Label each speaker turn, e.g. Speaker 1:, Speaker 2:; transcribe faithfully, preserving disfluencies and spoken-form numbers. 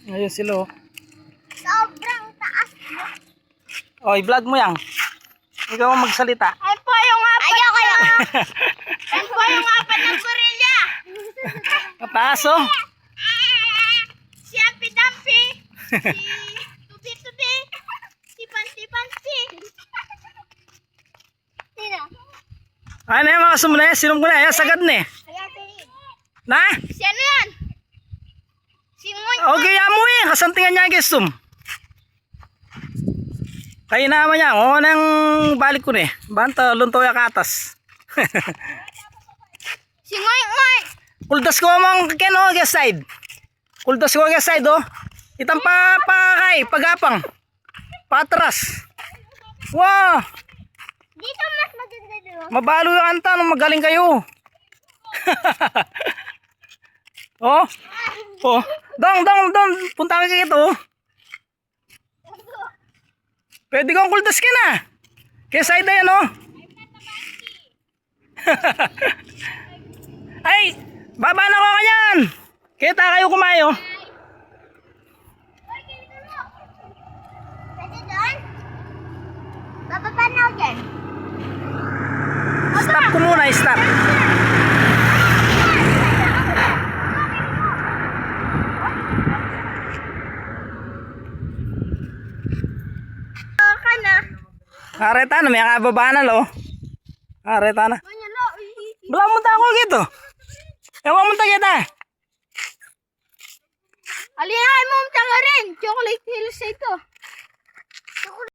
Speaker 1: Ayun sila oh.
Speaker 2: Sobrang taas mo.
Speaker 1: Oh, i-vlog mo yan. Ikaw ang magsalita.
Speaker 2: Ay po yung apat. Ayoko yung. Ay po yung apat ng gorilla.
Speaker 1: Mataas oh.
Speaker 2: Si Ampi Dampi. Si Tubi Tubi. Si Pansi Pansi. Sino?
Speaker 1: Ano yung mga sumulay? Sinong gulay? Ayan, sagad na eh. Na?
Speaker 2: Si ano yan? Si Ngoy.
Speaker 1: Okay, amo eh. Kasantingan niya ang gestum. Kaya naman niya. O, nang balik ko na eh. Banta, luntoy ka atas.
Speaker 2: Si Ngoy Ngoy.
Speaker 1: Kuldas ko mong ken o, guest side. Kuldas ko guest side oh. Itang pa, pa kay, pagapang. Patras. Wow.
Speaker 2: Dito mas maganda doon.
Speaker 1: Mabalo yung anta nung magaling kayo. Oh. Oh. Dong, dong, dong. Punta ka kito. Oh. Pwede kong kuldas ka na. Kaya side na yan oh. Ay, baba na ko kanyan. Kita kayo kumayo.
Speaker 2: Pwede doon? Bababa na ako dyan.
Speaker 1: Stop ko muna, stop.
Speaker 2: Ka na.
Speaker 1: Areta na, may kababa na lo. Areta na.
Speaker 2: Manyalo.
Speaker 1: Bala mo ta ako gitu. Ewan mo ta kita.
Speaker 2: Alinahay mo ang tanga rin. Chocolate hills ito.